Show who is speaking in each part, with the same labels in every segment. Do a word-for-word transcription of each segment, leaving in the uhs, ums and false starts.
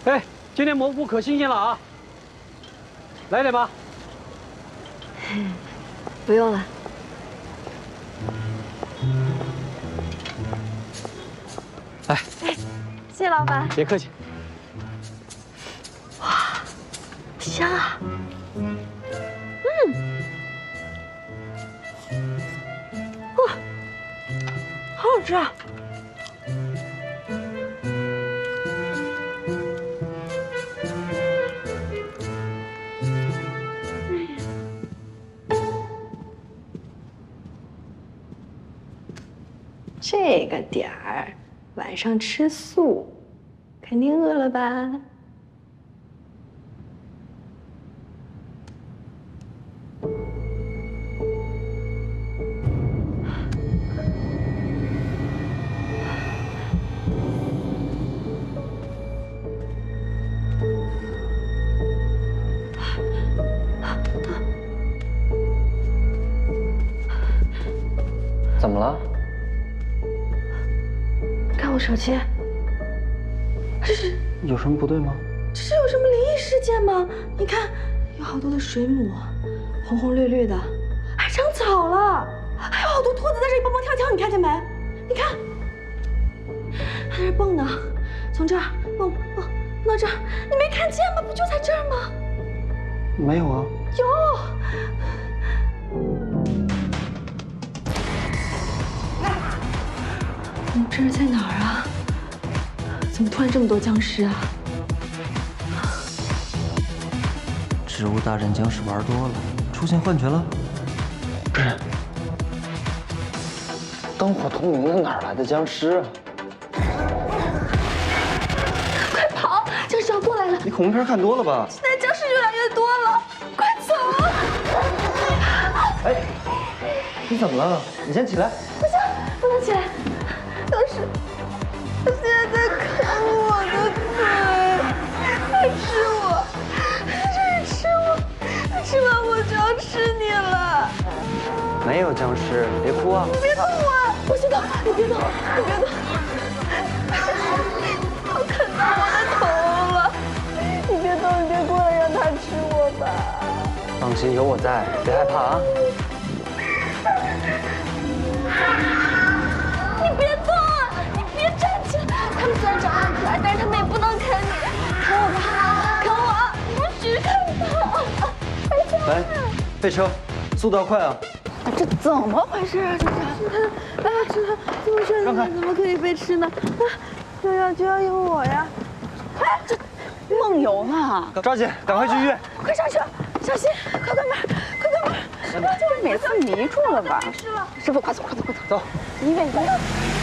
Speaker 1: 哎，今天蘑菇可新鲜了啊！来点吧。
Speaker 2: 不用了。
Speaker 1: 来，
Speaker 2: 哎，谢谢老板。
Speaker 1: 别客气。
Speaker 2: 哇，香啊！嗯，哇，好好吃啊！ 这个点儿，晚上吃素，肯定饿了吧？
Speaker 3: 怎么了？
Speaker 2: 看我手机，这是
Speaker 3: 有什么不对吗？
Speaker 2: 这是有什么灵异事件吗？你看，有好多的水母，红红绿绿的，还长草了，还有好多兔子在这里蹦蹦跳跳，你看见没？你看，还在这蹦呢，从这儿蹦蹦蹦到这儿，你没看见吗？不就在这儿吗？
Speaker 3: 没有啊。
Speaker 2: 有。 我们这是在哪儿啊？怎么突然这么多僵尸啊？
Speaker 3: 植物大战僵尸玩多了，出现幻觉了。不是，灯火通明的，哪来的僵尸啊？
Speaker 2: 快跑！僵尸要过来了！
Speaker 3: 你恐怖片看多了吧？
Speaker 2: 现在僵尸越来越多了，快走！
Speaker 3: 哎，你怎么了？你先起来。
Speaker 2: 不行，不能起来。 僵尸，他现在在啃我的腿，他吃我，他这是吃我，他吃完我就要吃你了。
Speaker 3: 没有僵尸，别哭啊！
Speaker 2: 你别动我，不许动！你别动，你别动！要啃到我的头了！你别动，你别过来，让他吃我吧。
Speaker 3: 放心，有我在，别害怕啊！
Speaker 2: 你别动啊！你别站起来！他们虽然长得很可爱，但是他们也不能啃你，啃我吧，啃我！不许啃他！
Speaker 3: 来，备车，速度要快啊！
Speaker 2: 这怎么回事啊？这是他，哎呀，这他这么帅的人怎么可以被吃呢？啊，就要就要有我呀！哎，这梦游呢？
Speaker 3: 抓紧，赶快去医院！
Speaker 2: 快上车，小心！快关门，快关门！
Speaker 4: 就是每次迷住了吧？
Speaker 2: 师傅，快走，快走，快走！
Speaker 3: 走，
Speaker 2: 医院，医院。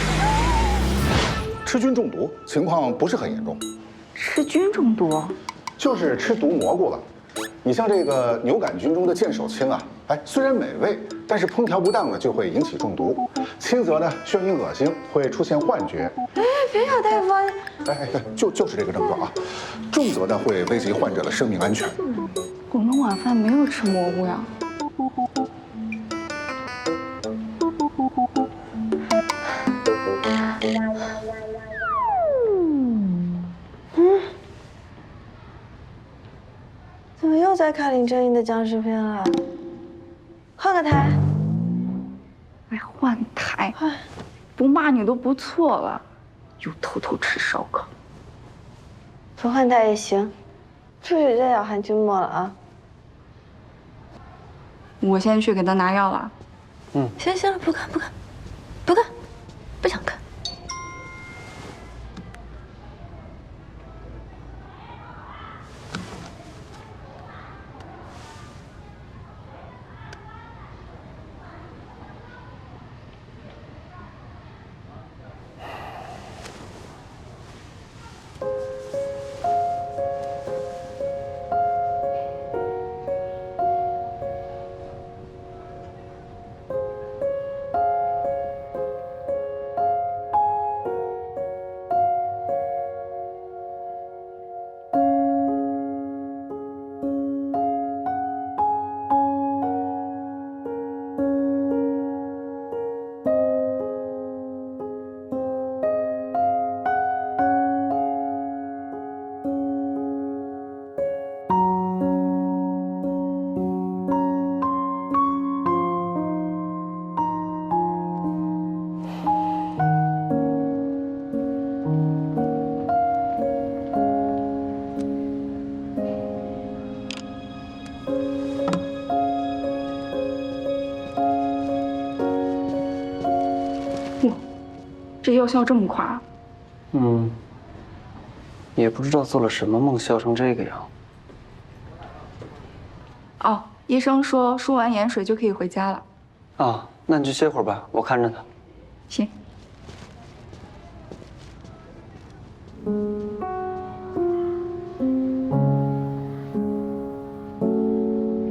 Speaker 5: 吃菌中毒情况不是很严重，
Speaker 4: 吃菌中毒，
Speaker 5: 就是吃毒蘑菇了。你像这个牛杆菌中的剑手青啊，哎，虽然美味，但是烹调不当呢就会引起中毒。轻则呢眩晕恶心，会出现幻觉。
Speaker 2: 哎，别呀，大夫！
Speaker 5: 哎哎哎，就就是这个症状啊。重则呢会危及患者的生命安全。
Speaker 4: 我们晚饭没有吃蘑菇呀。
Speaker 2: 嗯，怎么又在看林正英的僵尸片了？换个台。
Speaker 4: 哎，换台，不骂你都不错了，又偷偷吃烧烤。
Speaker 2: 不换台也行，出去再咬含菌末了啊！
Speaker 4: 我先去给他拿药了。
Speaker 3: 嗯，
Speaker 2: 行行了，不看不看，不看，不想看。
Speaker 4: 这药效这么快啊？
Speaker 3: 嗯，也不知道做了什么梦，笑成这个样。
Speaker 4: 哦，医生说输完盐水就可以回家了。
Speaker 3: 啊，那你就歇会儿吧，我看着他。
Speaker 4: 行。